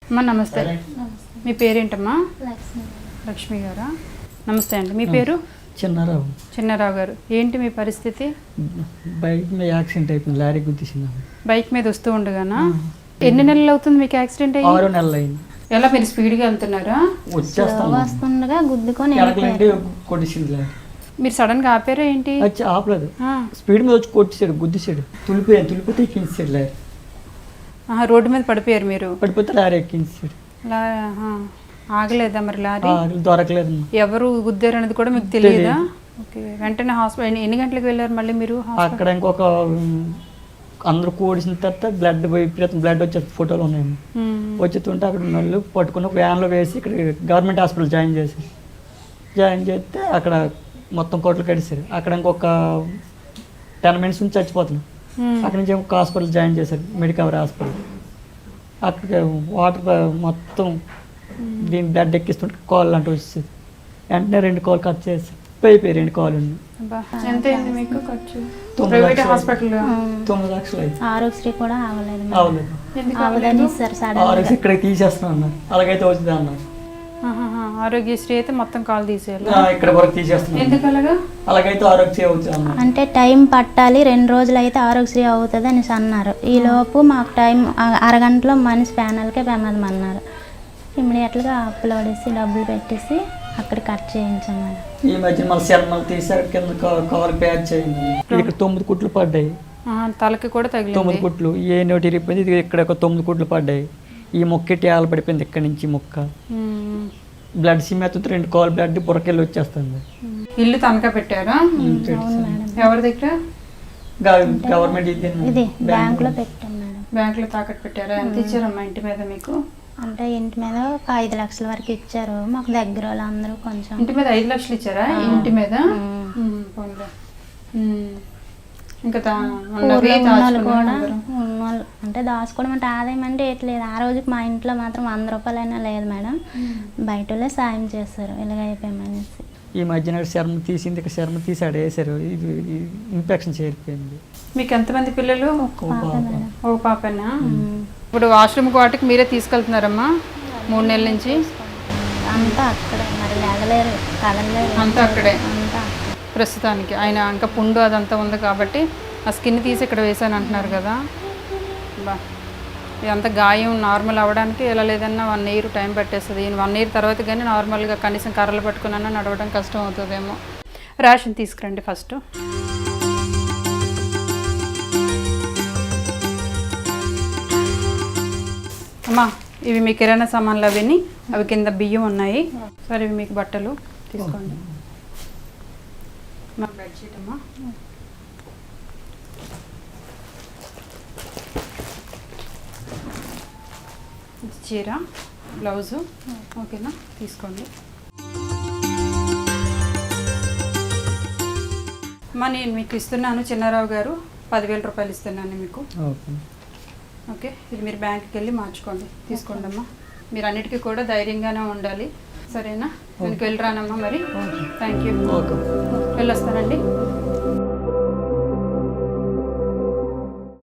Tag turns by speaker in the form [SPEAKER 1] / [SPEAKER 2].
[SPEAKER 1] అమ్మా నమస్తే. మీ పేరేంటమ్మా? లక్ష్మి గారా? నమస్తే అండి. మీ పేరు?
[SPEAKER 2] చిన్నారావు.
[SPEAKER 1] చిన్నారావు గారు, ఏంటి మీ పరిస్థితి?
[SPEAKER 2] బైక్ మీద యాక్సిడెంట్ అయిపోయింది, లారీ గుద్దేసింది.
[SPEAKER 1] బైక్ మీద వస్తూ ఉండగానా? ఎన్ని నెలలు అవుతుంది మీకు యాక్సిడెంట్ అయ్యి?
[SPEAKER 2] 6 నెలలు అయింది.
[SPEAKER 1] ఎలా, మీరు స్పీడ్గా వెళ్తున్నారా?
[SPEAKER 3] వస్తుండగా గుద్దుకొని
[SPEAKER 2] కొట్టేసింది లారీ.
[SPEAKER 1] మీరు సడన్ గా ఆపారా ఏంటి?
[SPEAKER 2] వచ్చి ఆపలేదు, స్పీడ్ మీద వచ్చి కొట్టేసాడు, గుద్దేసాడు. తులిపితే ఎక్కించాడు లారీ.
[SPEAKER 1] రోడ్డు మీద పడిపోయారు మీరు?
[SPEAKER 2] పడిపోతే లారీ ఎక్కించాడు.
[SPEAKER 1] ఆగలేదా మరి లారీ?
[SPEAKER 2] దొరకలేదు.
[SPEAKER 1] ఎవరు గుద్దారు అనేది కూడా మీకు తెలియదా? ఓకే, వెంటనే హాస్పిటల్ ఎన్ని గంటలకు వెళ్ళారు మళ్ళీ మీరు?
[SPEAKER 2] అక్కడ ఇంకొక అందరూ కూడిసిన తర్వాత బ్లడ్ వచ్చే ఫోటోలు ఉన్నాయి. వచ్చేస్తుంటే అక్కడ ఉన్న వాళ్ళు పట్టుకుని ఒక వ్యాన్లో వేసి ఇక్కడ గవర్నమెంట్ హాస్పిటల్ జాయిన్ చేస్తే అక్కడ మొత్తం కోట్లు కడిసారు. అక్కడ ఇంకొక 10 మినిట్స్ నుంచి చచ్చిపోతున్నాం. అక్కడ నుంచి ఒక హాస్పిటల్ జాయిన్ చేశారు, మెడికవర్ హాస్పిటల్. అక్కడ వాటర్ మొత్తం దీని బ్లడ్ ఎక్కిస్తుంటే కాల్ అంటూ వచ్చేది. వెంటనే 2 కాల్ కట్ చేసి అయిపోయి 2 కాల్ ఉంది.
[SPEAKER 1] ఎంత అయింది మీకు ఖర్చు?
[SPEAKER 2] 9 లక్షలు అయింది.
[SPEAKER 3] ఆరోగ్యశ్రీ కూడా
[SPEAKER 2] అవలేదు. ఇక్కడ తీసేస్తున్నా అన్నారు, అలాగైతే వచ్చింది అన్నారు.
[SPEAKER 1] ఆరోగ్యశ్రీ అయితే మొత్తం కాల్ తీసేయాలి,
[SPEAKER 2] ఇక్కడ వరకు తీసేస్తున్నారు.
[SPEAKER 1] ఎందుకు అలాగా?
[SPEAKER 2] అలాగైతే ఆరోగ్యశ్రీ అవుతుంది అన్నారు.
[SPEAKER 3] అంటే టైం పట్టాలి, 2 రోజులు అయితే ఆరోగ్యశ్రీ అవుతుంది అని అన్నారు. ఈ లోపు మాకు టైం అరగంటలో మనిషి ప్యానల్కే ప్రమాదం అన్నారు. ఇమ్మీడియట్గా అప్లోడ్ చేసి డబ్బులు పెట్టేసి అక్కడ కట్ చేయించాం మేడం.
[SPEAKER 2] ఈ మధ్య మళ్ళీ శర్మలు తీసారు, కింద కవర్ ప్యాచ్ చేయండి. ఇక్కడ 9 కుట్లు పడ్డాయి,
[SPEAKER 1] తలకి కూడా తగిలి
[SPEAKER 2] 9 కుట్లు. ఏ నోటి ఇరిగిపోయింది, ఇది ఇక్కడ ఒక 9 కుట్లు పడ్డాయి. ఈ మొక్క ట్యాలు పడిపోయింది, ఇక్కడ నుంచి మొక్క బ్లడ్ సిమెత్తుతో 2 కాల్ బ్లడ్ బుర్రకెళ్ళి వచ్చేస్తుంది.
[SPEAKER 1] ఇల్లు తనఖా పెట్టారా? ఎవరి దగ్గర?
[SPEAKER 2] గవర్నమెంట్
[SPEAKER 3] ఇది బ్యాంకులో పెట్టాం మేడం.
[SPEAKER 1] బ్యాంకులో తాకట్టు పెట్టారా? ఎంత ఇచ్చారమ్మా ఇంటి మీద మీకు?
[SPEAKER 3] అంటే ఇంటి మీద ఒక 5 లక్షల వరకు ఇచ్చారు. మాకు దగ్గర వాళ్ళందరూ కొంచెం.
[SPEAKER 1] ఇంటి మీద 5 లక్షలు ఇచ్చారా? ఇంటి మీద ఇంకా
[SPEAKER 3] ఉన్నోళ్ళు అంటే దాచుకోవడం అంటే ఆదాయం అంటే ఎట్లేదు. ఆ రోజుకి మా ఇంట్లో మాత్రం 100 రూపాయలైనా లేదు మేడం. బయట వాళ్ళే సాయం చేస్తారు ఇలాగ అయిపోయామనేసి.
[SPEAKER 2] ఈ మధ్యన శర్మ తీసింది, ఇక్కడ శర్మ తీసి ఆడ వేసారు, ఇది ఇన్ఫెక్షన్ చేరిపోయింది.
[SPEAKER 1] మీకు ఎంతమంది పిల్లలు? ఒక పాపనా? ఇప్పుడు వాష్రూమ్ వాటికి మీరే తీసుకెళ్తున్నారమ్మా 3 నెలల నుంచి?
[SPEAKER 3] అంతా అక్కడే, మరి లేగలేరు, కదలలేరు,
[SPEAKER 1] అంతా అక్కడే
[SPEAKER 3] అంతా
[SPEAKER 1] ప్రస్తుతానికి. ఆయన ఇంకా పుండు అదంతా ఉంది కాబట్టి ఆ స్కిన్ తీసి ఇక్కడ వేసాను అంటున్నారు కదా. బా, ఇదంతా గాయం నార్మల్ అవ్వడానికి ఎలా లేదన్నా 1 ఇయర్ టైం పట్టేస్తుంది. 1 ఇయర్ తర్వాత కానీ నార్మల్గా కనీసం కర్రలు పట్టుకున్నా నడవడం కష్టం అవుతుందేమో. రేషన్ తీసుకురండి ఫస్ట్. అమ్మా, ఇవి మీ కిరాణా సామాన్లు అవిని, అవి కింద బియ్యం ఉన్నాయి. సరే, ఇవి మీకు బట్టలు తీసుకోండి. మా బెడ్షీట్ అమ్మా, చీర, బ్లౌజు, ఓకేనా? తీసుకోండి అమ్మా. నేను మీకు ఇస్తున్నాను చిన్నారావు గారు, 10,000 రూపాయలు ఇస్తున్నాను మీకు. ఓకే, ఇది మీరు బ్యాంక్కి వెళ్ళి మార్చుకోండి. తీసుకోండి అమ్మా. మీరు అన్నిటికీ కూడా ధైర్యంగానే ఉండాలి, సరేనా? నేను వెళ్ళి రానమ్మా మరి. Thank you, వెళ్ళొస్తానండి.